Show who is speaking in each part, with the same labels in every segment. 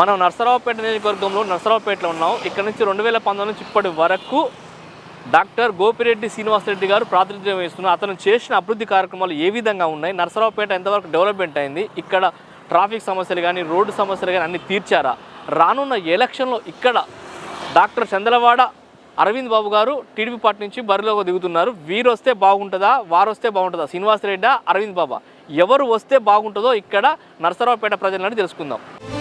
Speaker 1: మనం నర్సరావుపేట నియోజకవర్గంలో నర్సరావుపేటలో ఉన్నాం. ఇక్కడ నుంచి 2019 నుంచి ఇప్పటి వరకు డాక్టర్ గోపిరెడ్డి శ్రీనివాసరెడ్డి గారు ప్రాతినిధ్యం వహిస్తున్నారు. అతను చేసిన అభివృద్ధి కార్యక్రమాలు ఏ విధంగా ఉన్నాయి, నర్సరావుపేట ఎంతవరకు డెవలప్మెంట్ అయింది, ఇక్కడ ట్రాఫిక్ సమస్యలు కానీ రోడ్డు సమస్యలు కానీ అన్ని తీర్చారా, రానున్న ఎలక్షన్లో ఇక్కడ డాక్టర్ చంద్రవాడ అరవింద్ బాబు గారు టీడీపీ పార్టీ నుంచి బరిలోకి దిగుతున్నారు. వీరు వస్తే బాగుంటుందా, వారు వస్తే బాగుంటుందా, శ్రీనివాసరెడ్డి అరవింద్ బాబా ఎవరు వస్తే బాగుంటుందో ఇక్కడ నర్సరావుపేట ప్రజలని తెలుసుకుందాం.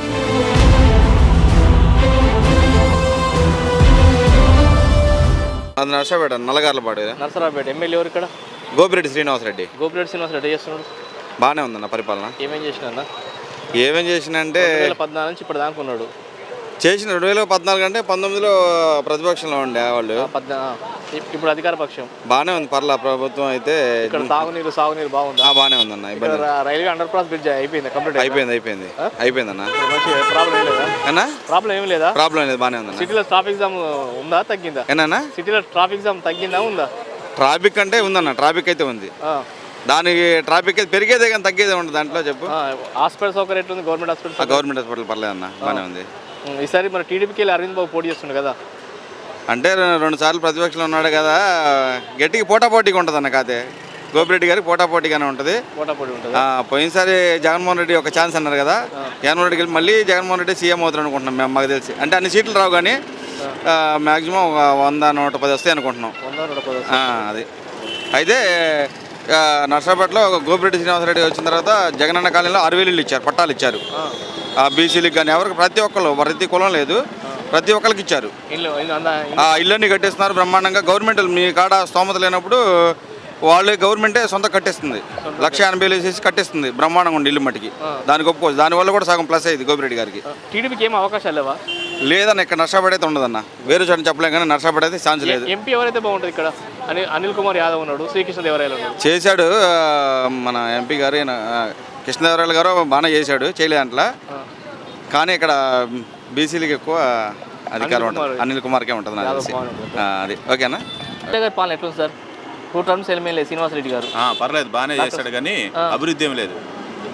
Speaker 2: అది నర్సరావుపేట నల్లగార్లపాడు.
Speaker 1: నర్సరావుపేట ఎమ్మెల్యే ఎవరు ఇక్కడ?
Speaker 2: గోపిరెడ్డి శ్రీనివాసరెడ్డి.
Speaker 1: గోపిరెడ్డి శ్రీనివాసరెడ్డి చేస్తున్నాడు.
Speaker 2: బాగానే ఉందన్న పరిపాలన.
Speaker 1: ఏమేం చేసినా
Speaker 2: చేసినంటే
Speaker 1: 2014 నుంచి ఇప్పుడు దాకా ఉన్నాడు.
Speaker 2: చేసిన 2014 అంటే 19లో ప్రతిపక్షంలో ఉండే వాళ్ళు.
Speaker 1: ఇప్పుడు అధికార పక్షం.
Speaker 2: బాగానే ఉంది పర్లా ప్రభుత్వం అయితే.
Speaker 1: ఇక్కడ సాగునీరు బాగుంది.
Speaker 2: బాగానే ఉందన్న.
Speaker 1: రైల్వే అండర్ పాస్ బ్రిడ్జ్ అయిపోయింది, కంప్లీట్
Speaker 2: అయిపోయిందన్న.
Speaker 1: ప్రాబ్లం ఏం లేదా
Speaker 2: అన్నా?
Speaker 1: ప్రాబ్లం ఏం లేదా?
Speaker 2: ప్రాబ్లం లేదు, బాగానే ఉందన్న.
Speaker 1: సిటీలో ట్రాఫిక్ జామ్ ఉందా తగ్గిందా?
Speaker 2: ఏనా
Speaker 1: సిటీలో ట్రాఫిక్ జామ్ తగ్గిందా ఉందా?
Speaker 2: ట్రాఫిక్ అంటే ఉందన్న, ట్రాఫిక్ అయితే ఉంది. దానికి ట్రాఫిక్ అయితే పెరిగేదే కానీ తగ్గేదే ఉండదు దాంట్లో. చెప్పు.
Speaker 1: హాస్పిటల్ సౌకర్యం ఎట్లుంది? గవర్నమెంట్ హాస్పిటల్
Speaker 2: పర్లేదన్న, బాగానే ఉంది.
Speaker 1: ఈసారి మన టీడీపీకి వెళ్ళి అరవింద్ బాబు పోటీ చేస్తుండే కదా,
Speaker 2: అంటే 2 సార్లు ప్రతిపక్షంలో ఉన్నాడు కదా, గట్టికి పోటాపోటీగా ఉంటుంది అన్న. కాదే గోపిరెడ్డి గారికి పోటాపోటీగానే ఉంటుంది. పోయినసారి జగన్మోహన్ రెడ్డి ఒక ఛాన్స్ అన్నారు కదా, జగన్మోహన్ రెడ్డికి వెళ్ళి మళ్ళీ జగన్మోహన్ రెడ్డి సీఎం అవుతారు అనుకుంటున్నాం మేము. మాకు తెలిసి అంటే అన్ని సీట్లు రావు కానీ మ్యాక్సిమం 100-110 వస్తాయి అనుకుంటున్నాం. అది అయితే నర్సరావుపేటలో గోపిరెడ్డి శ్రీనివాసరెడ్డి వచ్చిన తర్వాత జగనన్న కాలనీలో 6,000 ఇళ్ళు ఇచ్చారు, పట్టాలు ఇచ్చారు. బీసీలకు కానీ ఎవరికి, ప్రతి ఒక్కరు, ప్రతి కులం లేదు, ప్రతి ఒక్కరికి ఇచ్చారు. ఇళ్ళన్నీ కట్టేస్తున్నారు బ్రహ్మాండంగా. గవర్నమెంట్ మీ కాడ స్తోమత లేనప్పుడు వాళ్ళే గవర్నమెంటే సొంత కట్టేస్తుంది. 1,80,000 వేసేసి కట్టేస్తుంది బ్రహ్మాండంగా ఉండి ఇల్లు మట్టికి. దానికి ఒప్పుకోవచ్చు. దానివల్ల కూడా సగం ప్లస్ అయ్యింది గోపిరెడ్డి గారికి.
Speaker 1: టీడీపీకి ఏం అవకాశాలు లేవా?
Speaker 2: లేదన్న, ఇక్కడ నర్సరావుపేట అయితే ఉండదన్న. వేరే చోట చెప్పలేం కానీ నర్సరావుపేట అయితే ఛాన్స్ లేదు.
Speaker 1: ఎంపీ ఎవరైతే బాగుంటుంది ఇక్కడ? అనిల్ కుమార్ యాదవ్ ఉన్నాడు, శ్రీకృష్ణదేవరాయలు ఉన్నాడు.
Speaker 2: చేశాడు మన ఎంపీ గారు, కృష్ణదేవరాయలు గారు బాగానే చేశాడు, చేయలేదంట్లా. కానీ ఇక్కడ బీసీలకు ఎక్కువ అధికారం ఉంటుంది. అనిల్ కుమార్కే ఉంటుంది నాకు తెలిసి. అది ఓకేనా?
Speaker 1: పాలన ఎట్లుంది సార్? 2 టర్మ్స్ ఎమ్మెల్యే శ్రీనివాసరెడ్డి గారు.
Speaker 3: పర్లేదు, బాగానే చేశాడు కానీ అభివృద్ధి ఏమి లేదు.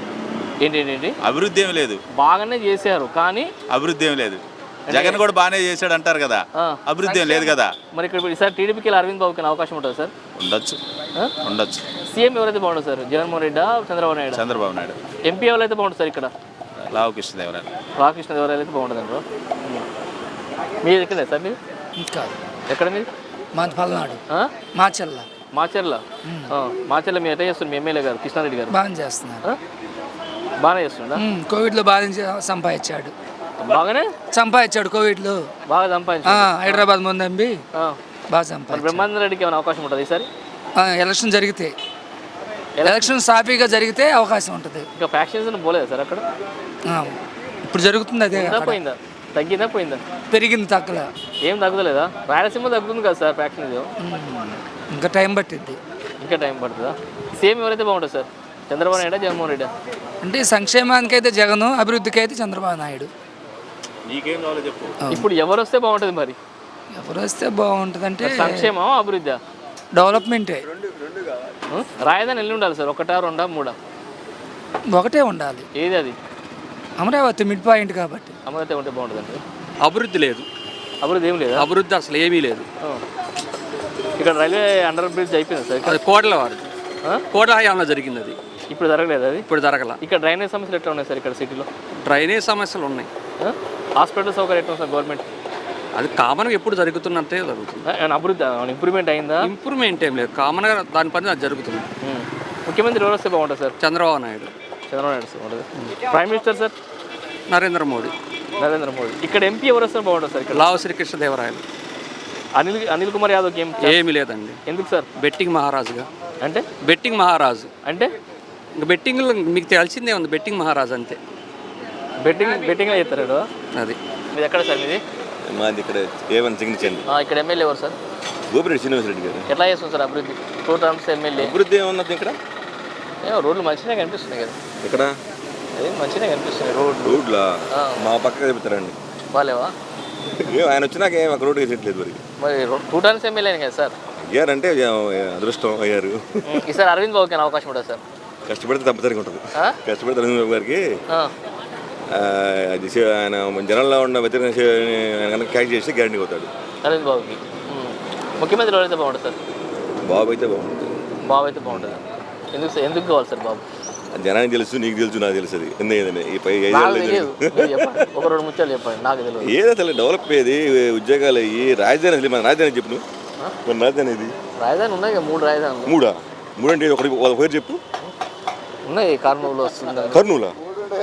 Speaker 1: ఏంటి
Speaker 3: అభివృద్ధి ఏమి లేదు.
Speaker 1: బాగానే చేశారు కానీ అభివృద్ధి
Speaker 3: ఏమి లేదు. జగన్ కూడా బాగానే చేశాడు అంటారు కదా, అభివృద్ధి ఏం లేదు కదా.
Speaker 1: మరి ఇక్కడ ఈసారి టీడీపీకి అరవింద్ బాబుకి అవకాశం ఉంటుంది సార్?
Speaker 3: ఉండొచ్చు.
Speaker 1: సీఎం ఎవరైతే బాగుంటుంది సార్? జగన్మోహన్ రెడ్డి, చంద్రబాబు నాయుడు? ఎంపీ ఎవరైతే బాగుంటుంది సార్ ఇక్కడ?
Speaker 3: లావు కృష్ణదేవరాయలు
Speaker 1: అయితే బాగుంటుంది అంటారు. మీరు ఎక్కడే సార్? మీరు ఎక్కడ? మీరు
Speaker 4: మాది పల్నాడు, మాచెర్ల.
Speaker 1: మీరు ఎట్లా చేస్తున్నారు? మీ ఎమ్మెల్యే గారు కృష్ణారెడ్డి గారు
Speaker 4: బాగా చేస్తున్నారు.
Speaker 1: బాగానే చేస్తున్నా.
Speaker 4: కోవిడ్లో బాగా సంపాదించాడు. కోవిడ్లో
Speaker 1: బాగా సంపాదించాడు.
Speaker 4: హైదరాబాద్ ముందంబి బాగా సంపాదించాడు.
Speaker 1: బ్రహ్మానంద రెడ్డికి ఏమైనా అవకాశం ఉంటుంది ఈసారి?
Speaker 4: ఎలక్షన్ జరిగితే, ఎలక్షన్ సాఫీగా జరిగితే అవకాశం ఉంటుంది.
Speaker 1: ఇంకా ఫ్యాక్షన్స్ పోలేదా సార్ అక్కడ?
Speaker 4: ఇప్పుడు జరుగుతుంది. అదే
Speaker 1: పోయిందా? తగ్గిందా పోయిందా?
Speaker 4: పెరిగింది, తగ్గలే.
Speaker 1: ఏం తగ్గుతలేదా? రాయలసీమ తగ్గుతుంది కదా సార్ ఫ్యాక్షన్?
Speaker 4: ఇంకా టైం పట్టింది.
Speaker 1: ఇంకా టైం పడుతుందా? సేమ్ ఎవరైతే బాగుంటుంది సార్? చంద్రబాబు నాయుడు, జగన్మోహన్ రెడ్డి?
Speaker 4: అంటే సంక్షేమానికి అయితే జగన్, అభివృద్ధికి అయితే చంద్రబాబు నాయుడు.
Speaker 3: నీకేం కావాలో చెప్పు.
Speaker 1: ఇప్పుడు ఎవరు వస్తే బాగుంటుంది? మరి
Speaker 4: ఎవరు వస్తే బాగుంటుంది అంటే
Speaker 1: సంక్షేమం, అభివృద్ధి,
Speaker 4: డెవలప్మెంటే.
Speaker 1: రాజధాని ఎన్ని ఉండాలి సార్? 1, 2, 3?
Speaker 4: ఒకటే ఉండాలి.
Speaker 1: ఏది అది?
Speaker 4: అమరావతి మిడ్ పాయింట్ కాబట్టి
Speaker 1: అమరావతి ఉంటే బాగుంటుంది అంటే.
Speaker 5: అభివృద్ధి లేదు.
Speaker 1: అభివృద్ధి ఏం లేదు.
Speaker 5: అభివృద్ధి అసలు ఏమీ లేదు.
Speaker 1: ఇక్కడ రైల్వే అండర్ బ్రిడ్జ్ అయిపోయింది సార్?
Speaker 5: అది కోట్ల హయాంలో జరిగింది. అది
Speaker 1: ఇప్పుడు జరగలేదు. అది
Speaker 5: ఇప్పుడు జరగల.
Speaker 1: ఇక్కడ డ్రైనేజ్ సమస్యలు ఎట్లా ఉన్నాయి సార్ ఇక్కడ సిటీలో?
Speaker 5: డ్రైనేజ్ సమస్యలు ఉన్నాయి.
Speaker 1: హాస్పిటల్ సౌకర్యం ఎట్లా సార్ గవర్నమెంట్?
Speaker 5: అది కామన్గా ఎప్పుడు జరుగుతున్నట్టే జరుగుతుంది.
Speaker 1: అభివృద్ధి ఇంప్రూవ్మెంట్ అయిందా?
Speaker 5: ఇంప్రూవ్మెంట్ ఏం లేదు, కామన్గా దాని పని అది జరుగుతుంది.
Speaker 1: ముఖ్యమంత్రి ఎవరు వస్తే బాగుంటుంది సార్?
Speaker 5: చంద్రబాబు నాయుడు
Speaker 1: బాగుంటుంది. Prime minister sir?
Speaker 5: Narendra Modi.
Speaker 1: ఇక్కడ ఎంపీ ఎవరు వస్తే బాగుంటుంది సార్? ఇక్కడ
Speaker 5: లావు శ్రీకృష్ణదేవరాయలు.
Speaker 1: అనిల్ కుమార్ యాదవ్
Speaker 5: ఏమీ లేదండి.
Speaker 1: ఎందుకు సార్?
Speaker 5: బెట్టింగ్ మహారాజుగా.
Speaker 1: అంటే
Speaker 5: బెట్టింగ్ మహారాజు
Speaker 1: అంటే
Speaker 5: ఇంకా బెట్టింగ్ మీకు తెలిసిందే ఉంది. బెట్టింగ్ మహారాజు అంతే.
Speaker 1: బెట్టింగ్ చేస్తారు
Speaker 5: అది.
Speaker 1: మీది ఎక్కడ సార్? మీది
Speaker 6: మాది ఇక్కడ A1 సిగ్నేచర్.
Speaker 1: ఇక్కడ ఎమ్మెల్యే ఎవరు సార్?
Speaker 6: గోపిరెడ్డి శ్రీనివాసరెడ్డి గారు.
Speaker 1: ఎట్లా చేస్తుంది సార్ అభివృద్ధి? 2 టర్మ్స్ ఎమ్మెల్యే.
Speaker 6: అభివృద్ధి ఏమన్నది ఇక్కడ?
Speaker 1: రోడ్లు మంచిగా కనిపిస్తున్నాయి కదా.
Speaker 6: ఇక్కడ
Speaker 1: మంచిగా కనిపిస్తున్నాయి
Speaker 6: రోడ్లా? మా పక్కన చెప్తారండి.
Speaker 1: బాగాలేవా?
Speaker 6: ఆయన వచ్చినాక ఏం ఒక రోడ్డు వేసేట్లేదు.
Speaker 1: మరి 2 టర్మ్స్ ఎమ్మెల్యే కదా సార్?
Speaker 6: అయ్యారంటే అదృష్టం అయ్యారు.
Speaker 1: ఈసారి అరవింద్ బాబుకి అవకాశం ఉంటుంది సార్?
Speaker 6: కష్టపడితే తప్పనిసరిగా ఉంటుంది. కష్టపడితే అరవింద్ బాబు గారికి అది ఆయన జనంలో ఉన్న వ్యతిరేక కనుక క్యాచ్ చేసి గ్యారంటీ అవుతాడు.
Speaker 1: అరవింద్ బాబుకి ముఖ్యమంత్రి ఎవరైతే బాగుంటుంది సార్?
Speaker 6: బాబు అయితే బాగుంటుంది.
Speaker 1: బాబు అయితే బాగుంటుంది. ఎందుకు కావాలి సార్ బాబు?
Speaker 6: జనానికి తెలుసు, నీకు తెలుసు, నాకు తెలుసు. అది ఎందుకంటే ఈ పై
Speaker 1: నాకు తెలియదు. మీరు చెప్పండి, ఒక 2 ముత్యాలు చెప్పండి, నాకు తెలియదు.
Speaker 6: ఏదో అసలు డెవలప్ అయ్యేది ఉద్యోగాలు అయ్యి రాజధాని అసలు మన రాజధాని చెప్పు నువ్వు. మన రాజధాని ఇది
Speaker 1: రాజధాని ఉన్నాయి కదా, 3 రాజధానులు.
Speaker 6: మూడంటే ఒకటి పేరు చెప్పు.
Speaker 1: ఉన్నాయి, కర్నూలు వస్తుంది,
Speaker 6: కర్నూలా,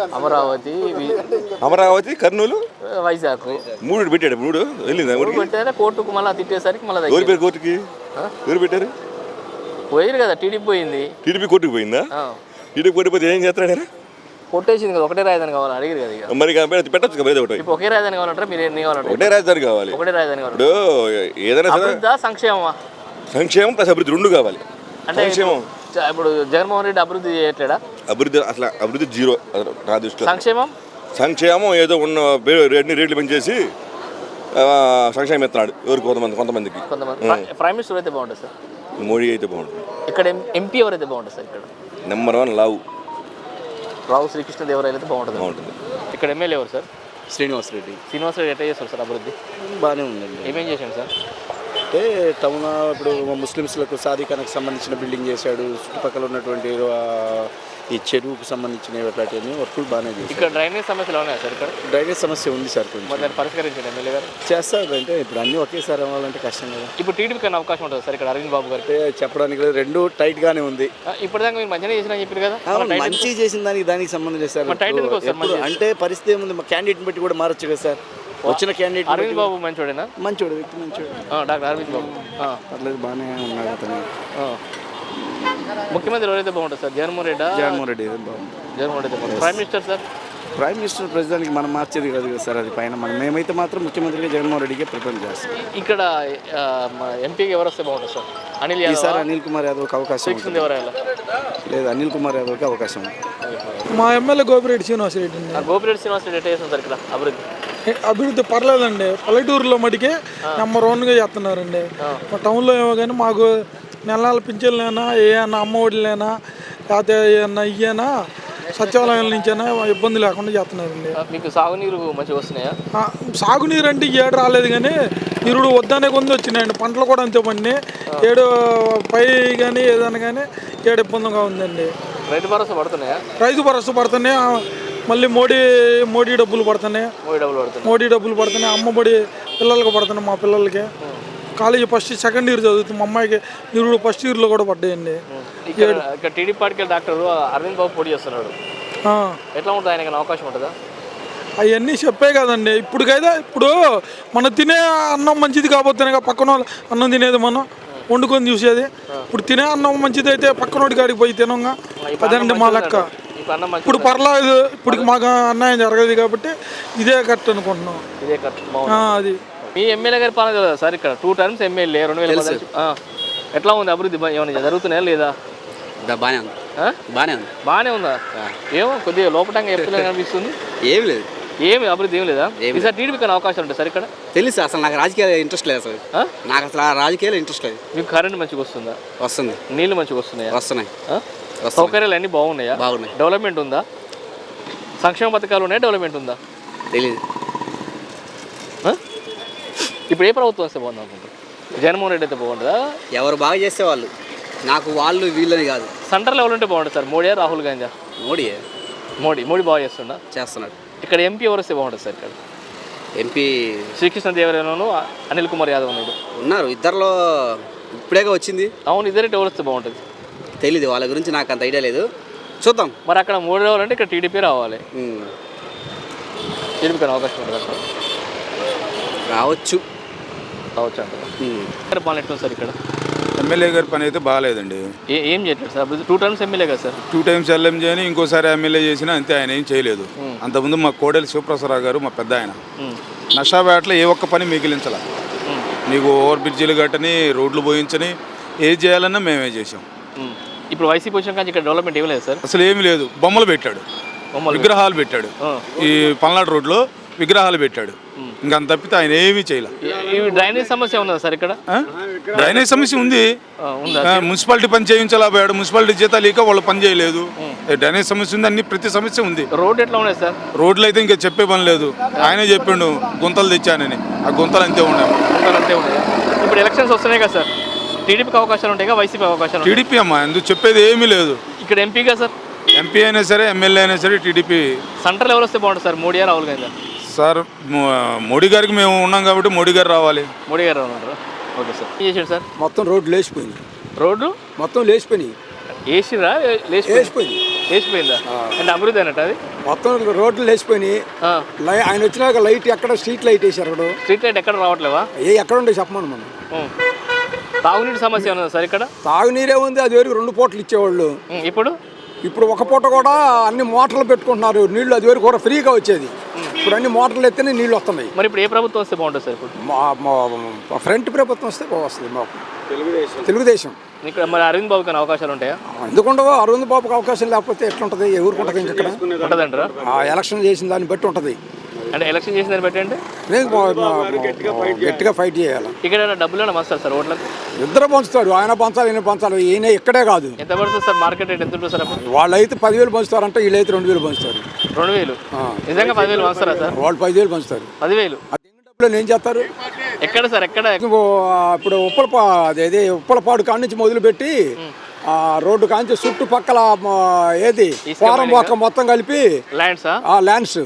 Speaker 6: అమరావతి, కర్నూలు,
Speaker 1: వైజాగ్.
Speaker 6: 3 పెట్టాడు. 3 వెళ్ళిందా?
Speaker 1: పెట్టారా కోర్టుకు, మళ్ళీ తిట్టేసరికి మళ్ళీ
Speaker 6: ఎవరు పేరు కోర్టుకి? ఎవరు పెట్టారు?
Speaker 1: పోయారు కదా, టీడీపీ పోయింది.
Speaker 6: టీడీపీ కోర్టుకు పోయిందా? టీడీపీ కోర్టు పోతే ఏం చేస్తాడు ఆయన?
Speaker 1: కొట్టేసింది కదా, ఒకటే రాజధాని కావాలి అడిగారు కదా. ఇక
Speaker 6: మరి పెట్టచ్చు కదా, ఒకటి
Speaker 1: ఇప్పుడు ఒకే రాజధాని కావాలంటారా? మీరు ఎన్ని కావాలంటే
Speaker 6: ఒకటే రాజధాని కావాలి.
Speaker 1: ఒకటే రాజధాని కావాలి.
Speaker 6: ఇప్పుడు ఏదైనా సరే
Speaker 1: అభివృద్ధి సంక్షేమమా?
Speaker 6: సంక్షేమం ప్లస్ అభివృద్ధి 2 కావాలి.
Speaker 1: అంటే
Speaker 6: సంక్షేమం
Speaker 1: ఇప్పుడు జగన్మోహన్ రెడ్డి అభివృద్ధి చేయట్లేడా?
Speaker 6: అభివృద్ధి 0 నా దృష్టిలో.
Speaker 1: సంక్షేమం
Speaker 6: ఏదో ఉన్న రేట్లు పెంచేసి సంక్షేమం ఎత్తున్నాడు ఎవరు కొంతమందికి.
Speaker 1: ప్రైమ్ మినిస్టర్ అయితే బాగుంటుంది సార్.
Speaker 6: మోడీ అయితే బాగుంటుంది.
Speaker 1: ఇక్కడ ఎంపీ ఎవరైతే బాగుంటుంది సార్? ఇక్కడ
Speaker 6: నెంబర్ 1
Speaker 1: రావు శ్రీకృష్ణదేవరాయలు అయితే బాగుంటుంది. ఇక్కడ ఎమ్మెల్యే ఎవరు సార్?
Speaker 7: శ్రీనివాస్ రెడ్డి
Speaker 1: ఎట్లా చేస్తారు సార్ అభివృద్ధి?
Speaker 7: బాగానే ఉందండి.
Speaker 1: ఏమేం చేశాను సార్?
Speaker 7: అంటే టౌన్ ఇప్పుడు ముస్లిమ్స్లకు సాధికానికి సంబంధించిన బిల్డింగ్ చేశాడు. చుట్టుపక్కల ఉన్నటువంటి ఈ చెరువుకు సంబంధించిన అట్లాంటివన్నీ వర్కులు బాగానే చేశారు.
Speaker 1: ఇక్కడ డ్రైనేజ్ సమస్యలు ఉన్నాయా సార్? ఇక్కడ
Speaker 7: డ్రైనేజ్ సమస్య ఉంది సార్, కొంచెం
Speaker 1: మరి దాన్ని పరిష్కరించండి ఎమ్మెల్యే గారు.
Speaker 7: చేస్తారు. అంటే ఇప్పుడు అన్నీ ఒకేసారి అవ్వాలంటే కష్టం కదా.
Speaker 1: ఇప్పుడు టీడీపీ కన్నా అవకాశం ఉంటుంది సార్ ఇక్కడ అరవింద్ బాబు గారికి?
Speaker 7: చెప్పడానికి లేదు, 2 టైట్గానే ఉంది.
Speaker 1: ఇప్పటిదాకా మీరు మంచిగా చేసిన చెప్పారు కదా.
Speaker 7: మంచి చేసిన దానికి సంబంధం లేదు సార్. అంటే పరిస్థితి ఏముంది, మా క్యాండిడేట్ని బట్టి కూడా మారచ్చు కదా సార్. వచ్చిన క్యాండిడేట్
Speaker 1: అరవింద్ బాబు మంచోడేనా?
Speaker 7: మంచోడు, వ్యక్తి మంచోడు.
Speaker 1: డాక్టర్ అరవింద్ బాబు
Speaker 7: అట్లేదు బాగానే ఉన్నాడు అతను.
Speaker 1: ముఖ్యమంత్రి ఎవరైతే బాగుంటుంది సార్? జగన్మోహన్ రెడ్డి
Speaker 7: బాగుంది.
Speaker 1: జగన్మోహన్ రెడ్డి బాగుంది. Prime minister sir?
Speaker 7: Prime minister ప్రెసిడెంట్కి మనం మార్చేది కాదు కదా సార్, అది పైన మేమైతే మాత్రం ముఖ్యమంత్రిగా జగన్మోహన్ రెడ్డికి ప్రిఫర్ చేస్తాం.
Speaker 1: ఇక్కడ ఎంపీకి ఎవరు వస్తే బాగుంటుంది సార్? అనిల్ యాదవ్?
Speaker 7: ఈసారి అనిల్ కుమార్ యాదవ్కి అవకాశం లేదు. అనిల్ కుమార్ యాదవ్కి అవకాశం ఉంది.
Speaker 8: మా ఎమ్మెల్యే గోపిరెడ్డి శ్రీనివాసరెడ్డి.
Speaker 1: గోపిరెడ్డి శ్రీనివాసరెడ్డి ఎట్లా చేస్తుంది సార్ ఇక్కడ
Speaker 8: అభివృద్ధి? పర్లేదండి, పల్లెటూరులో మటుకే నెంబర్ 1గా చేస్తున్నారండి. మా టౌన్లో ఏమో కానీ మాకు నెలల పింఛన్లైనా ఏమైనా అమ్మఒడిలైనా లేకపోతే ఏమన్నా ఇయ్యనా సచివాలయాల నుంచైనా ఇబ్బంది లేకుండా చేస్తున్నారండి.
Speaker 1: మీకు సాగునీరు మంచిగా వస్తున్నాయా?
Speaker 8: సాగునీరు అంటే ఏడు రాలేదు కానీ నిరుడు వద్దనే కొంది వచ్చినాయండి. పంటలు కూడా అంతే పండి ఏడు పై కానీ ఏదైనా కానీ ఏడు ఇబ్బందిగా ఉందండి.
Speaker 1: రైతు భరోసా పడుతున్నాయా?
Speaker 8: రైతు భరోసా పడుతున్నాయి. మళ్ళీ మోడీ డబ్బులు పడుతున్నాయి. అమ్మఒడి పిల్లలకి పడుతున్నాయి. మా పిల్లలకి కాలేజీ ఫస్ట్ సెకండ్ ఇయర్ చదువుతుంది. మా అమ్మాయికి నిరుడు ఫస్ట్ ఇయర్లో కూడా పడ్డాయండి.
Speaker 1: ఇక్కడ టీడీపీ పార్టీకి డాక్టర్ అరవింద్ బాబు పోటీ చేస్తున్నాడు. ఎట్లా ఉంటుంది? ఆయనకి అవకాశం ఉంటుందా?
Speaker 8: అవన్నీ చెప్పే కదండి. ఇప్పుడు మనం తినే అన్నం మంచిది కాబోతేనే పక్కన వాళ్ళు అన్నం తినేది, మనం వండుకొని చూసేది. ఇప్పుడు తినే అన్నం మంచిది అయితే పక్కనోడి కాడికి పోయి తినంగా, అదండి మా లెక్క. ఇప్పుడు పర్లేదు, ఇప్పుడు మాకు అన్యాయం జరగదు కాబట్టి ఇదే కరెక్ట్ అనుకుంటున్నాం. అది
Speaker 1: మీ ఎమ్మెల్యే గారి పాలన కదా సార్? ఇక్కడ 2 టర్మ్స్ ఎమ్మెల్యే 2010. ఎట్లా ఉంది అభివృద్ధి? ఏమైనా జరుగుతున్నాయా లేదా? బాగానే ఉందా? ఏమో కొద్దిగా లోపటంగా ఎప్పుడు అనిపిస్తుంది. ఏమి అభివృద్ధి ఏం లేదా? ఈసారి టీడీపీ కన్నా అవకాశం ఉంటుంది సార్ ఇక్కడ?
Speaker 7: తెలుసు, అసలు నాకు రాజకీయాలు ఇంట్రెస్ట్ లేదు సార్. నాకు అసలు రాజకీయాలు ఇంట్రెస్ట్ లేదు.
Speaker 1: మీకు కరెంట్ మంచిగా వస్తుందా?
Speaker 7: వస్తుంది.
Speaker 1: నీళ్ళు మంచిగా వస్తున్నాయా?
Speaker 7: వస్తున్నాయి.
Speaker 1: సౌకర్యాలు అన్నీ బాగున్నాయా?
Speaker 7: బాగున్నాయి.
Speaker 1: డెవలప్మెంట్ ఉందా? సంక్షేమ పథకాలు ఉన్నాయా? డెవలప్మెంట్ ఉందా?
Speaker 7: తెలియదు.
Speaker 1: ఇప్పుడు ఏ ప్రభుత్వం వస్తే బాగుంది అనుకుంటారు? జగన్మోహన్ రెడ్డి అయితే బాగుంటుందా?
Speaker 7: ఎవరు బాగా చేస్తే వాళ్ళు, నాకు వాళ్ళు వీళ్ళని కాదు.
Speaker 1: సెంటర్లో ఎవరు ఉంటే బాగుంటుంది సార్? మోడీ, రాహుల్ గాంధీ? మోడీ బాగా చేస్తున్నాడు. ఇక్కడ ఎంపీ ఎవరు వస్తే బాగుంటుంది సార్? ఇక్కడ
Speaker 7: ఎంపీ
Speaker 1: శ్రీకృష్ణదేవరాయలను అనిల్ కుమార్ యాదవ్
Speaker 7: ఉన్నారు. ఇద్దరిలో ఇప్పుడేగా వచ్చింది.
Speaker 1: అవును, ఇద్దరు ఎవరు వస్తే బాగుంటుంది?
Speaker 7: తెలీదు, వాళ్ళ గురించి నాకు అంత ఐడియా లేదు. చూద్దాం.
Speaker 1: మరి అక్కడ మోడీ రావాలంటే ఇక్కడ టీడీపీ రావాలి. టీడీపీ కానీ అవకాశం ఉంటుంది.
Speaker 7: రావచ్చు
Speaker 1: అంటారు. పాలన ఎట్లా సార్ ఇక్కడ?
Speaker 9: ఎమ్మెల్యే గారి పని అయితే బాగాలేదండి.
Speaker 1: ఏం చేయట్లేదు సార్? 2 టర్మ్స్ ఎమ్మెల్యే కదా సార్?
Speaker 9: 2 టైమ్స్ ఎల్ఎం చేయని ఇంకోసారి ఎమ్మెల్యే చేసినా అంతే, ఆయన ఏం చేయలేదు. అంతకుముందు మా కోడెల శివప్రసాదరావు గారు మా పెద్ద ఆయన నషాబేటలో ఏ ఒక్క పని మిగిలించాల. మీకు ఓవర్ బ్రిడ్జిలు కట్టని, రోడ్లు పోయించని, ఏది చేయాలన్నా మేమే చేసాం.
Speaker 1: ఇప్పుడు వైసీపీ వచ్చిన కానీ ఇక్కడ డెవలప్మెంట్ ఏం లేదు సార్?
Speaker 9: అసలు ఏమి లేదు. బొమ్మలు పెట్టాడు, విగ్రహాలు పెట్టాడు. ఈ పల్నాడు రోడ్లో విగ్రహాలు పెట్టాడు. ఇంకా అంత తప్పితే ఆయన ఏమీ చేయలే.
Speaker 1: ఈ డ్రైనేజ్ సమస్య ఉన్నదా సార్ ఇక్కడ?
Speaker 9: డ్రైనేజ్ సమస్య ఉంది.
Speaker 1: ఉందా?
Speaker 9: మున్సిపాలిటీ పని చేయించలేకపోయాడు, మున్సిపాలిటీ జీతాలు ఇక వాళ్ళు పని చేయలేదు. డ్రైనేజ్ సమస్య ఉంది, అన్ని ప్రతి సమస్య ఉంది.
Speaker 1: రోడ్ ఎట్లా ఉన్నాయి సార్?
Speaker 9: రోడ్లు అయితే ఇంకా చెప్పే పని లేదు. ఆయనే చెప్పిండు గుంతలు తెచ్చానని, ఆ గుంతలు అంతే ఉన్నాయి.
Speaker 1: అంతే ఉన్నాయి. ఇప్పుడు ఎలక్షన్స్ వస్తున్నాయి కదా సార్, టీడీపీకి అవకాశాలు ఉంటాయి కదా, వైసీపీ అవకాశాలు?
Speaker 9: టీడీపీ అమ్మా, ఎందుకు చెప్పేది ఏమీ లేదు.
Speaker 1: ఇక్కడ ఎంపీగా సార్?
Speaker 9: ఎంపీ అయినా సరే, ఎమ్మెల్యే అయినా సరే టీడీపీ.
Speaker 1: సెంటర్లో ఎవరు వస్తే బాగుంటుంది సార్, మోడీ రాహుల్ గాంధీ?
Speaker 9: సార్ మోడీ గారికి మేము ఉన్నాం కాబట్టి మోడీ గారు రావాలి.
Speaker 1: మోడీ గారు ఉన్నారు. Okay sir. ఏం చేసాడు సార్?
Speaker 7: మొత్తం రోడ్లు లేచిపోయింది.
Speaker 1: రోడ్లు
Speaker 7: మొత్తం లేచిపోయినాయి.
Speaker 1: వేసిరా?
Speaker 7: లేచిపోయింది.
Speaker 1: లేచిపోయిందా అంటే అభివృద్ధి అన్నట్టు అది?
Speaker 7: మొత్తం రోడ్లు లేచిపోయినాయి. ఆయన వచ్చినాక లైట్ ఎక్కడ స్ట్రీట్ లైట్ వేసారు. అక్కడ
Speaker 1: స్ట్రీట్ లైట్ ఎక్కడ రావట్లేవా?
Speaker 7: ఎక్కడ ఉండే చెప్పమను మనం.
Speaker 1: తాగునీటి సమస్య ఉన్నదా సార్ ఇక్కడ?
Speaker 7: తాగునీరే ఉంది, అది వరకు 2 పూటలు ఇచ్చేవాళ్ళు.
Speaker 1: ఇప్పుడు
Speaker 7: ఒక పూట కూడా అన్ని మోటార్లు పెట్టుకుంటున్నారు. నీళ్లు అది వరకు కూడా ఫ్రీగా వచ్చేది. ఇప్పుడు అన్ని మోటార్లు ఎత్తేనే నీళ్లు వస్తున్నాయి.
Speaker 1: మరి ఇప్పుడు ఏ ప్రభుత్వం వస్తే బాగుంటుంది సార్? ఇప్పుడు
Speaker 7: ఫ్రంట్ ప్రభుత్వం వస్తే వస్తుంది మాకు, తెలుగుదేశం.
Speaker 1: ఇక్కడ మరి అరవింద్ బాబుకి అవకాశాలు ఉంటాయా?
Speaker 7: ఎందుకుండవు? అరవింద్ బాబుకి అవకాశం లేకపోతే ఎట్లుంటుంది? ఎవరికి ఉంటుంది? ఇంకెక్కడ
Speaker 1: ఉంటుందంటారా?
Speaker 7: ఎలక్షన్ చేసిన దాన్ని బట్టి ఉంటుంది.
Speaker 1: అంటే ఎలక్షన్ చేసిన దాన్ని బట్టి అంటే
Speaker 7: గట్టిగా ఫైట్ చేయాలి.
Speaker 1: ఇక్కడ డబ్బులు వస్తారు సార్ ఓట్లకు?
Speaker 7: ఇద్దరు పంచుతారు. ఆయన పంచాలి, ఈయన పంచాలి. ఈయన ఇక్కడే కాదు.
Speaker 1: ఎంత పడుతుంది సార్ మార్కెట్ రేట్? ఎంత ఉంటుంది సార్ అప్పుడు?
Speaker 7: వాళ్ళు అయితే 10,000 పంచుతారంటే, వీళ్ళైతే 2,000 పంచుతారు.
Speaker 1: 2,000? నిజంగా 10,000 పంచుతారా సార్?
Speaker 7: వాళ్ళు 10,000 పంచుతారు.
Speaker 1: 10,000
Speaker 7: డబ్బులు ఏం చేస్తారు?
Speaker 1: ఎక్కడ సార్? ఎక్కడ?
Speaker 7: ఇప్పుడు ఉప్పలపాడు కాడ నుంచి మొదలుపెట్టి రోడ్డు కాంచి చుట్టుపక్కల ఏది ఫారం మొత్తం కలిపి ల్యాండ్స్.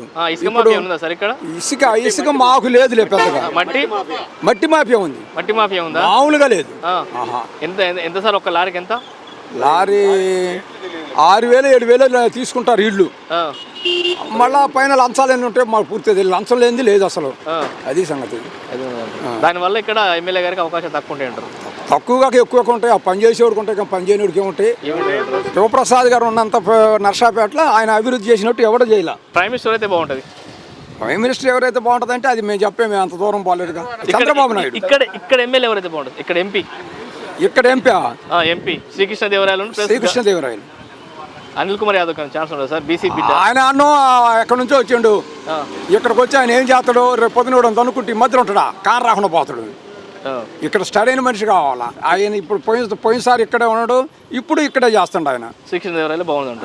Speaker 7: ఇసుక మాకు లేదులే పెద్దగా. మట్టి మాఫియా ఉంది.
Speaker 1: మట్టి మాఫియా ఉందా?
Speaker 7: మామూలుగా లేదు.
Speaker 1: ఎంత సార్ ఒక లారీకి ఎంత?
Speaker 7: లారీ 6,000 7,000 తీసుకుంటారు ఇళ్ళు. మళ్ళా పైన లంచాలు ఎన్ని ఉంటాయి మాకు పూర్తి తెలియదు. లంచం లేనిది లేదు అసలు. అది సంగతి.
Speaker 1: దానివల్ల ఇక్కడ ఎమ్మెల్యే గారికి అవకాశం తక్కువ ఉంటాయి అంటారు?
Speaker 7: తక్కువగా ఎక్కువగా ఉంటాయి. ఆ పని చేసేవాడికి ఉంటాయి, పని చేయనివాడికి ఏముంటాయి. శివప్రసాద్ గారు ఉన్నంత నర్సాపేటలో ఆయన అభివృద్ధి చేసినట్టు ఎవరు చేయాల.
Speaker 1: ప్రైమ్ మినిస్టర్ అయితే బాగుంటుంది.
Speaker 7: ప్రైమ్ మినిస్టర్ ఎవరైతే బాగుంటుంది అంటే అది మేము చెప్పేమే, అంత దూరం పోలేదుగా. చంద్రబాబు నాయుడు.
Speaker 1: ఇక్కడ ఎమ్మెల్యే ఎవరైతే బాగుంటుంది? ఇక్కడ ఎంపీ?
Speaker 7: ఇక్కడ
Speaker 1: ఎంపీ శ్రీకృష్ణదేవరాయలు.
Speaker 7: శ్రీకృష్ణదేవరాయలు
Speaker 1: అనిల్ కుమార్ యాదవ్ ఛాన్స్ ఉండదు సార్? బీసీ బిడ్డ
Speaker 7: ఆయన అన్నో ఎక్కడి నుంచో వచ్చిండు. ఇక్కడికి వచ్చి ఆయన ఏం చేస్తాడు? రేపు పొద్దున అనుకుంటే మధ్యలో ఉంటాడా? కారు రాకుండా పోతాడు. ఇక్కడ స్టడీ అయిన మనిషి కావాలా. ఆయన ఇప్పుడు పోయినసారి ఇక్కడే ఉన్నాడు, ఇప్పుడు ఇక్కడే చేస్తాడు ఆయన.
Speaker 1: శ్రీకృష్ణదేవరాయలు బాగుంది.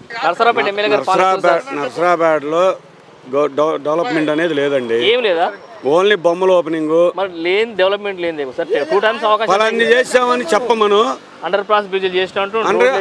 Speaker 10: నర్సరాబాద్లో డెవలప్మెంట్ అనేది లేదండి.
Speaker 1: ఏం లేదా?
Speaker 10: ఓన్లీ బొమ్మల ఓపెనింగ్.
Speaker 1: మరి లేని డెవలప్మెంట్ లేని సార్ 2 times అవకాశం
Speaker 10: చేసామని చెప్పమను.
Speaker 1: అండర్ పాస్ బ్రిడ్జ్ చేసినట్టు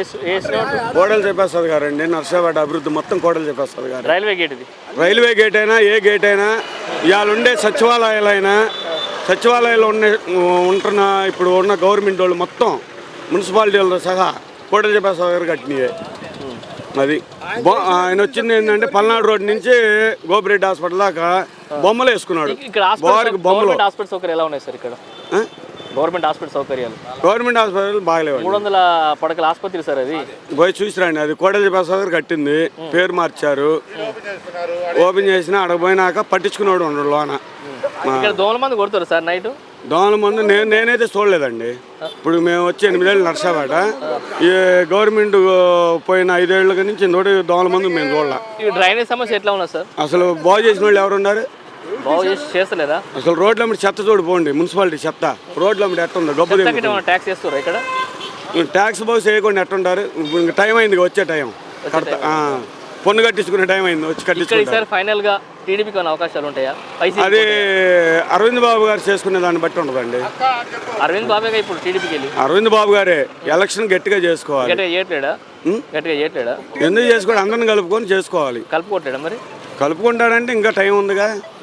Speaker 10: కోడలు చెప్పేస్తుంది గారండి. నర్సాబాద్ అభివృద్ధి మొత్తం కోడలు చెప్పేస్తుంది గారు.
Speaker 1: రైల్వే గేట్ ఇది.
Speaker 10: రైల్వే గేట్ అయినా ఏ గేట్ అయినా, ఇవాళ ఉండే సచివాలయాలైనా, సచివాలయాలు ఉంటున్న ఇప్పుడు ఉన్న గవర్నమెంట్ వాళ్ళు మొత్తం మున్సిపాలిటీలతో సహా కోడలు చెప్పేస్తుంది గారు కట్టినాయే. అది ఆయన వచ్చింది ఏంటంటే పల్నాడు రోడ్ నుంచి గోపిరెడ్డి హాస్పిటల్ దాకా బొమ్మలు వేసుకున్నాడు.
Speaker 1: గవర్నమెంట్ హాస్పిటల్ సౌకర్యాలు ఎలా ఉన్నాయి సార్ ఇక్కడ? గవర్నమెంట్ హాస్పిటల్ సౌకర్యాలు?
Speaker 10: గవర్నమెంట్ హాస్పిటల్ బాగలేవు.
Speaker 1: 300 పడకల ఆసుపత్రి సార్ అది.
Speaker 10: పోయి చూసిరండి. అది కోడలి ప్రసాద్ కట్టింది, పేరు మార్చారు. ఓపెన్ చేసిన అడగపోయినాక పట్టించుకున్నాడు ఉండడు లోన.
Speaker 1: ఇక్కడ దోమల మంది కొడతారు సార్ నైట్?
Speaker 10: దోమల మందు నేనైతే చూడలేదండి. ఇప్పుడు మేము వచ్చి 8 ఏళ్ళు నర్సాబాట. ఈ గవర్నమెంట్ పోయిన 5 ఏళ్ళ నుంచి దోమల మందు మేము చూడలే.
Speaker 1: డ్రైనేజ్ సమస్య ఎట్లా ఉన్నా సార్?
Speaker 10: అసలు బాగు చేసిన వాళ్ళు ఎవరున్నారు?
Speaker 1: బాగు చేస్తలేదా?
Speaker 10: అసలు రోడ్ల మీద చెత్త చూడిపోండి. మున్సిపాలిటీ చెత్త రోడ్ల మీద ఎట్టుందో గొప్ప
Speaker 1: ట్యాక్స్ చేస్తారా ఇక్కడ?
Speaker 10: ట్యాక్స్ బాగు చేయకుండా ఎట్టుంటారు? టైం అయింది, వచ్చే టైం పన్ను కట్టించుకునే టైం అయింది, వచ్చి కట్టించుకుంటారు.
Speaker 1: ఫైనల్ గా టీడీపీకి అవకాశాలు ఉంటాయా?
Speaker 10: అది అరవింద్ బాబు గారు చేసుకునే దాన్ని బట్టి ఉండదండి.
Speaker 1: అరవింద్ బాబు ఇప్పుడు టీడీపీకి వెళ్ళి
Speaker 10: అరవింద్ బాబు గారే ఎలక్షన్ గట్టిగా చేసుకోవాలి.
Speaker 1: గట్టిగా చేయట్లేడా?
Speaker 10: ఎందుకు చేసుకోవాలి? అందరిని కలుపుకొని చేసుకోవాలి.
Speaker 1: కలుపుకోవట్లేడా? మరి
Speaker 10: కలుపుకుంటాడంటే ఇంకా టైం ఉందిగా.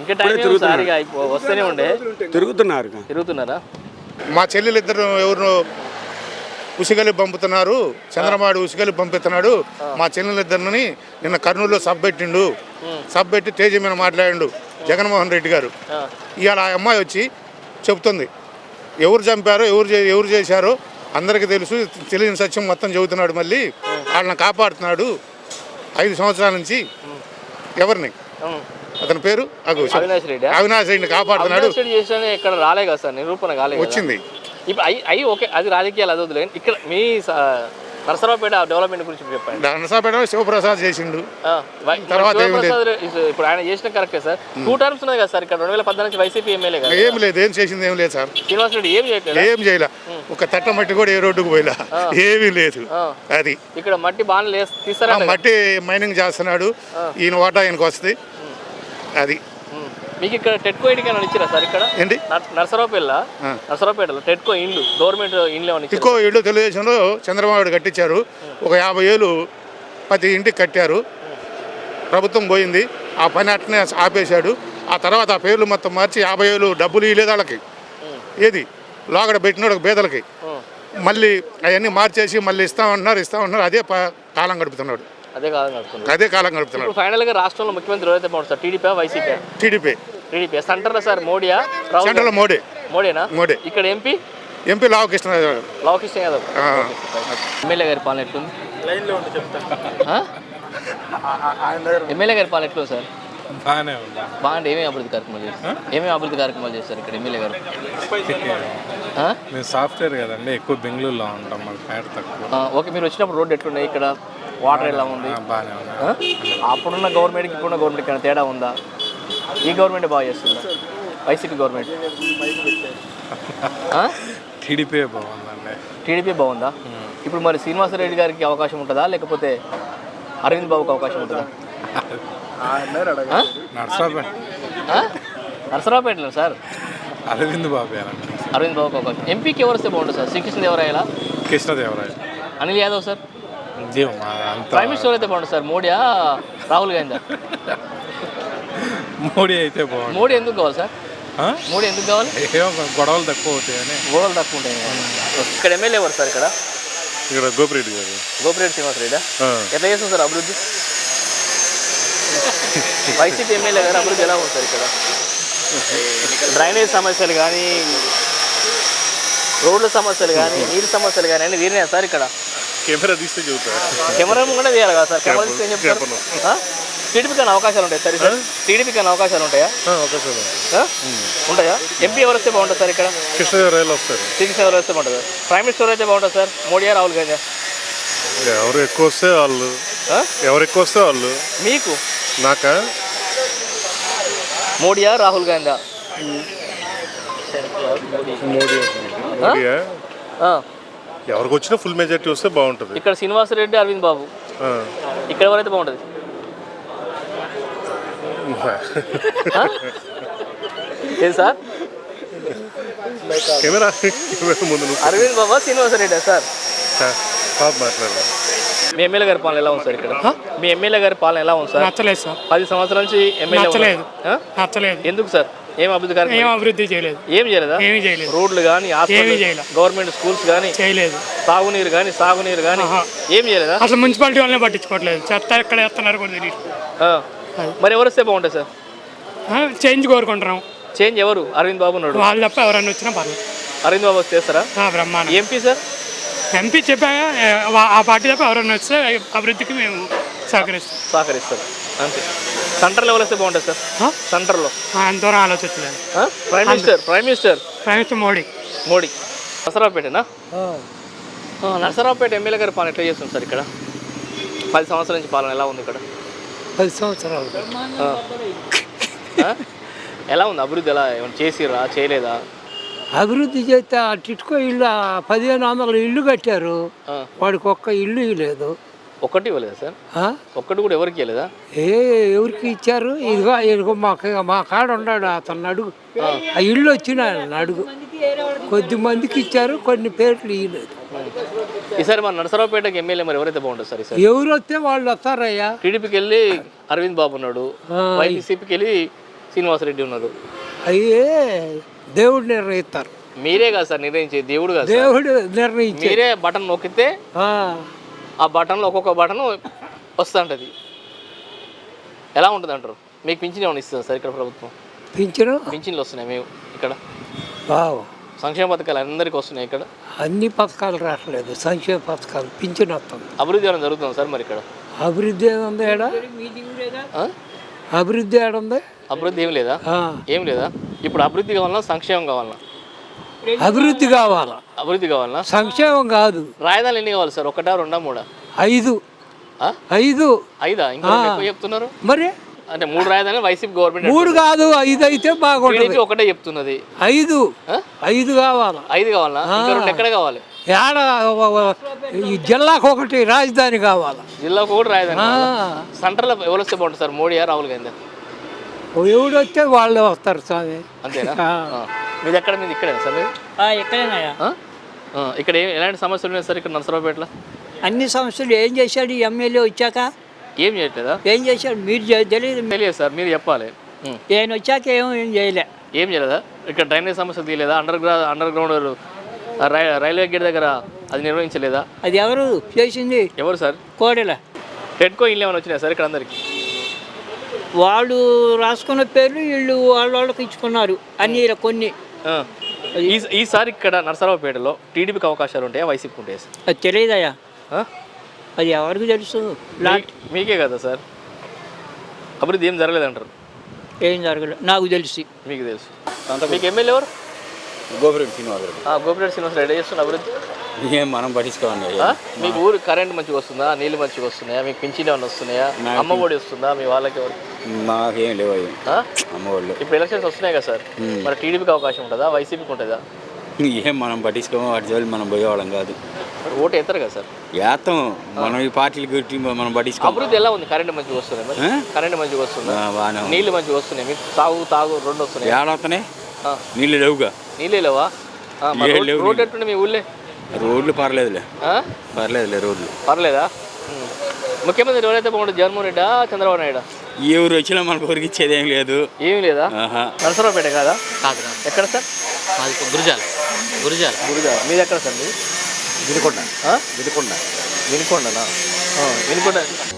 Speaker 1: వస్తూనే ఉండే తిరుగుతున్నారా?
Speaker 11: మా చెల్లెలు ఇద్దరు ఎవరు ఉసిగలి పంపుతున్నారు, చంద్రబాబు ఉసిగలి పంపిస్తున్నాడు. మా చెల్లెలిద్దరిని నిన్న కర్నూలులో సబ్ పెట్టి తేజ మీద మాట్లాడిండు జగన్మోహన్ రెడ్డి గారు. ఇవాళ ఆ అమ్మాయి వచ్చి చెబుతుంది ఎవరు చంపారో ఎవరు చేశారో అందరికీ తెలుసు, తెలియని సత్యం మొత్తం చెబుతున్నాడు. మళ్ళీ వాళ్ళని కాపాడుతున్నాడు 5 సంవత్సరాల నుంచి. ఎవరిని? అతని పేరు
Speaker 1: అవినాష్
Speaker 11: రెడ్డిని కాపాడుతున్నాడు.
Speaker 1: ఇక్కడ రాలే కదా సార్, నిరూపణ కాలేదు.
Speaker 11: వచ్చింది
Speaker 1: ఇప్పుడు ఓకే, అది రాజకీయాలు అది వదిలేదు. ఇక్కడ మీ నరసరావుపేట డెవలప్మెంట్ గురించి చెప్పండి.
Speaker 11: నరసరావుపేట శివప్రసాద్ చేసిండు.
Speaker 1: తర్వాత ఇప్పుడు ఆయన చేసిన కరెక్టే సార్. 2 టర్మ్స్ ఉన్నాయి కదా సార్ ఇక్కడ 2014 నుంచి వైసీపీ ఎమ్మెల్యే కదా.
Speaker 11: ఏం లేదు, ఏం చేసింది ఏం లేదు సార్.
Speaker 1: శ్రీనివాస్ రెడ్డి ఏం చేయలేదు,
Speaker 11: ఏం చేయలే. ఒక తట్ట మట్టి కూడా ఏ రోడ్డుకు పోయిలా, ఏమీ లేదు. అది
Speaker 1: ఇక్కడ మట్టి బాగా తీస్తారా,
Speaker 11: మట్టి మైనింగ్ చేస్తున్నాడు, ఈయన వాటా ఆయనకు వస్తుంది. అది
Speaker 1: మీకు ఇక్కడ టెట్కో ఇంటికి ఇచ్చిరా సార్? ఇక్కడ
Speaker 11: ఏంటి
Speaker 1: నరసరావుపేటలో టెట్కో ఇండ్లు, గవర్నమెంట్ ఇండ్లు
Speaker 11: ఎక్కువ ఇళ్ళు తెలుగుదేశంలో చంద్రబాబు కట్టించారు. ఒక 50 ఏళ్ళు ప్రతి ఇంటికి కట్టారు. ప్రభుత్వం పోయింది, ఆ పని అట్నే ఆపేశాడు. ఆ తర్వాత ఆ పేర్లు మొత్తం మార్చి 50 ఏళ్ళు డబ్బులు ఇవ్వలేదు వాళ్ళకి. ఏది లోగడ పెట్టినోడు పేదలకి మళ్ళీ అవన్నీ మార్చేసి మళ్ళీ ఇస్తామన్నారు. అదే కాలం గడుపుతున్నాడు. అదే కాలం గడుపుతున్నాడు.
Speaker 1: ఫైనల్ గా రాష్ట్రంలో ముఖ్యమంత్రి ఎవరైతే బాగుంటుంది సార్? TDP YCP?
Speaker 11: టీడీపీ.
Speaker 1: సెంటర్లో సార్ మోడీయా?
Speaker 11: సెంటర్లో మోడీనా? మోడీ.
Speaker 1: ఇక్కడ ఎంపీ
Speaker 11: లావకృష్ణ
Speaker 1: యాదవ్. ఎమ్మెల్యే గారి పాలన ఎట్లుంది? ఎమ్మెల్యే గారి పాలన ఎట్లుంది సార్? బాగుంటే ఏమేమి అభివృద్ధి కార్యక్రమాలు చేస్తారు ఇక్కడ ఎమ్మెల్యే గారు?
Speaker 12: మేము సాఫ్ట్వేర్ కదండి, ఎక్కువ బెంగళూరులో ఉంటాం, మాకు పేట తక్కువ.
Speaker 1: ఓకే, మీరు వచ్చినప్పుడు రోడ్డు ఎట్లున్నాయి ఇక్కడ? వాటర్ ఎలా ఉంది?
Speaker 12: బాగానే ఉంది.
Speaker 1: అప్పుడున్న గవర్నమెంట్కి ఇప్పుడున్న గవర్నమెంట్కి ఏమైనా తేడా ఉందా? ఈ గవర్నమెంట్ బాగా చేస్తుందా వైసీపీ గవర్నమెంట్?
Speaker 12: టీడీపీ బాగుందండి.
Speaker 1: టీడీపీ బాగుందా? ఇప్పుడు మరి శ్రీనివాసరెడ్డి గారికి అవకాశం ఉంటుందా, లేకపోతే అరవింద్ బాబుకి అవకాశం ఉంటుందా? నరసరావుపేటలో సార్
Speaker 12: అరవింద్ బాబు
Speaker 1: అవకాశం. ఎంపీకి ఎవరు వస్తే బాగుంటుంది సార్? శ్రీకృష్ణదేవరాయలా?
Speaker 12: Krishnadevaraya.
Speaker 1: Anil Yadav sir? Prime minister అయితే బాగుంటుంది సార్? మోడీయా రాహుల్ గాంధీ?
Speaker 12: మోడీ అయితే బాగుంది.
Speaker 1: మోడీ ఎందుకు కావాలి సార్? మోడీ ఎందుకు కావాలి?
Speaker 12: గొడవలు తక్కువ అవుతాయని.
Speaker 1: గొడవలు తక్కువ ఉంటాయి. ఇక్కడ ఎమ్మెల్యే ఎవరు సార్? ఇక్కడ
Speaker 12: గోపిరెడ్డి గారు.
Speaker 1: గోపిరెడ్డి శ్రీనివాస్ రెడ్డి. ఎట్లా చేస్తుంది సార్ అభివృద్ధి? వైసీపీ ఎమ్మెల్యే గారు అభివృద్ధి ఎలా ఉంది సార్ ఇక్కడ? డ్రైనేజ్ సమస్యలు కానీ, రోడ్ల సమస్యలు కానీ, నీటి సమస్యలు కానీ అన్నీ తీరినాయా సార్ ఇక్కడ?
Speaker 12: కెమెరా తీస్తే చెబుతారు.
Speaker 1: కెమెరా కూడా తీయాలి కదా సార్? కెమెరా తీస్తే ఏం చెప్తారు? టీడీపీకి అవకాశాలు ఉంటాయి సార్? టీడీపీకి అవకాశాలు ఉంటాయా? ఉంటాయా? ఎంపీ ఎవరు వస్తే బాగుంటుంది సార్ ఇక్కడ?
Speaker 12: కృష్ణదేవరాయలు వస్తారు.
Speaker 1: శ్రీకృష్ణదేవరాయలు వస్తే బాగుంటుంది. ప్రైమ్ మినిస్టర్ అయితే బాగుంటుంది సార్? మోడీయా రాహుల్ గాంధీ?
Speaker 12: ఎవరు ఎక్కువ వస్తే వాళ్ళు.
Speaker 1: మీకు
Speaker 12: నాకా?
Speaker 1: మోడీయా రాహుల్ గాంధీ?
Speaker 12: ఎవరికి వచ్చినా ఫుల్ మెజారిటీ వస్తే బాగుంటుంది.
Speaker 1: ఇక్కడ శ్రీనివాసరెడ్డి, అరవింద్ బాబు, ఇక్కడ ఎవరైతే బాగుంటుంది? ఏం సార్?
Speaker 12: కెమెరా ముందు
Speaker 1: అరవింద్ బాబా, శ్రీనివాసరెడ్డి సార్?
Speaker 12: మాట్లాడారు.
Speaker 1: మీ ఎమ్మెల్యే గారి పాలన ఎలా ఉంది సార్ ఇక్కడ? మీ ఎమ్మెల్యే గారి పాలన ఎలా ఉంది సార్?
Speaker 8: నచ్చలేదు సార్.
Speaker 1: 10 సంవత్సరాల నుంచి ఎమ్మెల్యే.
Speaker 8: నచ్చలేదు.
Speaker 1: ఎందుకు సార్? ఏం అభివృద్ధి కార్యక్రమం?
Speaker 8: ఏం అభివృద్ధి చేయలేదు.
Speaker 1: ఏం చేయలేదా?
Speaker 8: ఏమీ చేయలేదు.
Speaker 1: రోడ్లు కానీ, గవర్నమెంట్ స్కూల్స్ కానీ
Speaker 8: చేయలేదు.
Speaker 1: సాగునీరు కానీ ఏం చేయలేదా?
Speaker 8: అసలు మున్సిపాలిటీ వాళ్ళని పట్టించుకోవట్లేదు. చెత్త ఎక్కడ వేస్తున్నారు కూడా తెలియదు.
Speaker 1: మరి ఎవరు వస్తే బాగుంటుంది సార్?
Speaker 8: చేంజ్ కోరుకుంటున్నాం.
Speaker 1: చేంజ్ ఎవరు? అరవింద్ బాబు ఉన్నాడు.
Speaker 8: వాళ్ళు తప్ప ఎవరైనా వచ్చినా పర్లేదు.
Speaker 1: అరవింద్ బాబు చేస్తారా?
Speaker 8: బ్రహ్మాండం.
Speaker 1: MP sir?
Speaker 8: ఎంపీ చెప్పాక ఆ పార్టీ తప్ప ఎవరైనా వస్తే అభివృద్ధికి మేము
Speaker 1: సహకరిస్తారు అంతే. సెంటర్లో ఎవరు వస్తే బాగుంటుంది సార్? సెంటర్లో
Speaker 8: అంత దూరం ఆలోచించలేదు.
Speaker 1: Prime minister Modi. నరసరావుపేటనా? నరసరావుపేట ఎమ్మెల్యే గారి పాలన ఎట్లా చేస్తుంది సార్ ఇక్కడ? 10 సంవత్సరాల నుంచి పాలన ఎలా ఉంది ఇక్కడ?
Speaker 8: 10 సంవత్సరాలు
Speaker 1: ఎలా ఉంది అభివృద్ధి? ఎలా ఏమైనా చేసిరా, చేయలేదా?
Speaker 13: అభివృద్ధి చేస్తే ఆ టిట్కో ఇల్లు 1500 ఇల్లు కట్టారు, వాడికి ఒక్క ఇల్లు ఇవ్వలేదు.
Speaker 1: ఒక్కటి ఇవ్వలేదా సార్? ఒక్కటి కూడా ఎవరికి ఇవ్వలేదా?
Speaker 13: ఎవరికి ఇచ్చారు? ఇదిగో మా కాడ ఉన్నాడు, అతను అడుగు. ఆ ఇల్లు వచ్చిన అడుగు. కొద్ది మందికి ఇచ్చారు, కొన్ని పేర్లు ఇవ్వలేదు.
Speaker 1: ఈసారి మన నరసరావుపేటకి ఎమ్మెల్యే మరి ఎవరైతే బాగుంటుంది సార్ ఈసారి?
Speaker 13: ఎవరు వస్తే వాళ్ళు వస్తారయ్యా.
Speaker 1: టీడీపీకి వెళ్ళి అరవింద్ బాబు ఉన్నాడు, వైసీపీకి వెళ్ళి శ్రీనివాసరెడ్డి ఉన్నారు.
Speaker 13: అయ్యే దేవుడు నిర్ణయిస్తారు.
Speaker 1: మీరే కాదు సార్ నిర్ణయించే, దేవుడు కాదు.
Speaker 13: దేవుడు నిర్ణయించే.
Speaker 1: మీరే బటన్ నొక్కితే ఆ బటన్లో ఒక్కొక్క బటన్ వస్తుంటుంది. ఎలా ఉంటుంది అంటారు? మీకు పింఛన్ ఏమైనా ఇస్తుంది సార్ ఇక్కడ ప్రభుత్వం? పింఛన్లు వస్తున్నాయి మేము ఇక్కడ? సంక్షేమ పథకాలు అందరికీ వస్తున్నాయి ఇక్కడ?
Speaker 13: అన్ని పథకాలు రావట్లేదు, సంక్షేమ పథకాలు పింఛన్ వస్తుంది.
Speaker 1: అభివృద్ధి ఏమైనా జరుగుతుంది సార్ మరి ఇక్కడ?
Speaker 13: అభివృద్ధి ఏముంది? అభివృద్ధి ఏడుంది?
Speaker 1: అభివృద్ధి ఏం లేదా? ఏం లేదా? ఇప్పుడు అభివృద్ధి కావాలన్నా సంక్షేమం కావాలన్నా?
Speaker 13: అభివృద్ధి కావాలా,
Speaker 1: అభివృద్ధి కావాలనా?
Speaker 13: సంక్షేమం కాదు.
Speaker 1: రాజధానులు ఎన్ని కావాలి సార్? ఒకటా, రెండా, మూడా?
Speaker 13: 5
Speaker 1: ఆ?
Speaker 13: 5
Speaker 1: ఐదా? ఇంకా రెండు ఎక్కువ చెప్తున్నారు.
Speaker 13: మరి
Speaker 1: అంటే 3 రాజధానులు వైసీపీ గవర్నమెంట్
Speaker 13: 3 కాదు 5 అయితే బాగుంటుంది.
Speaker 1: టీడీపీ ఒకటే చెప్తున్నది.
Speaker 13: 5 కావాలా.
Speaker 1: 5 కావాలా? ఇంకా రెండు ఎక్కడ కావాలి?
Speaker 13: ఏడ ఈ జిల్లాకు ఒకటి రాజధాని కావాలా.
Speaker 1: జిల్లాకు ఒకటి రాజధాని కావాలా? సెంట్రల్ ఎవరు వస్తే బాగుంటుంది సార్? మోడీయా, రాహుల్ గాంధీ?
Speaker 13: ఎవడు వస్తే వాళ్ళే వస్తారు స్వామి.
Speaker 1: అంతేనా? మీది ఎక్కడ? మీది ఇక్కడేనా సార్? మీరు
Speaker 14: ఎక్కడేనాయా?
Speaker 1: ఇక్కడ ఎలాంటి సమస్యలు ఉన్నాయి సార్ ఇక్కడ నరసరావుపేటలో?
Speaker 14: అన్ని సమస్యలు ఏం చేశాడు ఈ ఎమ్మెల్యే వచ్చాక?
Speaker 1: ఏం చేయట్లేదా?
Speaker 14: ఏం చేశాడు మీరు తెలియదు.
Speaker 1: తెలియదు సార్, మీరు చెప్పాలి.
Speaker 14: నేను వచ్చాక ఏం చేయలే.
Speaker 1: ఏం చేయలేదా? ఇక్కడ డ్రైనేజ్ సమస్య తీయలేదా? అండర్ గ్రౌండ్ రైల్వే గేట్ దగ్గర అది నిర్వహించలేదా?
Speaker 14: అది ఎవరు చేసింది?
Speaker 1: ఎవరు సార్?
Speaker 14: కోడెల.
Speaker 1: టెట్కో ఇల్లు ఏమైనా వచ్చినాయి సార్ ఇక్కడ అందరికి?
Speaker 14: వాళ్ళు రాసుకున్న పేర్లు వీళ్ళు వాళ్ళకి ఇచ్చుకున్నారు అన్ని కొన్ని.
Speaker 1: ఈసారి ఇక్కడ నరసరావుపేటలో టీడీపీకి అవకాశాలు ఉంటాయా, వైసీపీకి ఉంటాయా సార్?
Speaker 14: అది తెలియదయ్యా. అది ఎవరికి తెలుసు?
Speaker 1: మీకే కదా సార్. అభివృద్ధి ఏం జరగలేదంటారు?
Speaker 14: ఏం జరగలేదు నాకు తెలిసి.
Speaker 1: మీకు తెలుసు. మీకు ఎమ్మెల్యే ఎవరు?
Speaker 15: గోపిరెడ్డి శ్రీనివాస్ రెడ్డి.
Speaker 1: గోపిరెడ్డి శ్రీనివాస్ రెడ్డి చేస్తున్న అభివృద్ధి
Speaker 15: ఏం మనం పట్టించుకోండి.
Speaker 1: మీకు ఊరు కరెంట్ మంచిగా వస్తుందా? నీళ్ళు మంచిగా వస్తున్నాయా? మీకు పింఛన్ ఏమైనా వస్తున్నాయా? అమ్మ ఒడి వస్తుందా మీ వాళ్ళకి? ఎవరు?
Speaker 15: మాకేం లేవు అమ్మ వాళ్ళు.
Speaker 1: ఇప్పుడు ఎలక్షన్స్ వస్తున్నాయి కదా సార్, మరి టీడీపీకి అవకాశం ఉంటుందా, వైసీపీకి ఉంటుందా?
Speaker 15: ఏం మనం పట్టించుకోము, వాటి జోలి మనం పోయేవాళ్ళం కాదు.
Speaker 1: ఓటు వేస్తారు కదా సార్?
Speaker 15: వేస్తాం. మనం ఈ పార్టీలు గురించి మనం పట్టించుకోము.
Speaker 1: అభివృద్ధి ఎలా ఉంది? కరెంట్ మంచిగా వస్తున్నాయి మరి? కరెంట్ మంచిగా వస్తుందా? నీళ్ళు మంచిగా వస్తున్నాయి? మీకు తాగు రెండు వస్తున్నాయి?
Speaker 15: ఏడవుతున్నాయి. నీళ్ళు లేవుగా.
Speaker 1: నీళ్ళే లేవా? రోడ్డు ఎట్టుండే మీ ఊళ్ళే?
Speaker 15: రోడ్లు పర్లేదులే. రోడ్లు
Speaker 1: పర్లేదా? ముఖ్యమంత్రి ఎవరైతే బాగుంటుంది? జగన్మోహన్ రెడ్డా, చంద్రబాబు నాయుడు?
Speaker 15: ఎవరు వచ్చినా మనకు ఊరికి ఇచ్చేది ఏం లేదు.
Speaker 1: ఏమి లేదా? నరసరావుపేట కాదా?
Speaker 14: కాదు.
Speaker 1: ఎక్కడ సార్?
Speaker 14: గురిజాల.
Speaker 1: మీది ఎక్కడ సార్? మీది వినుకొండనా? వినుకొండ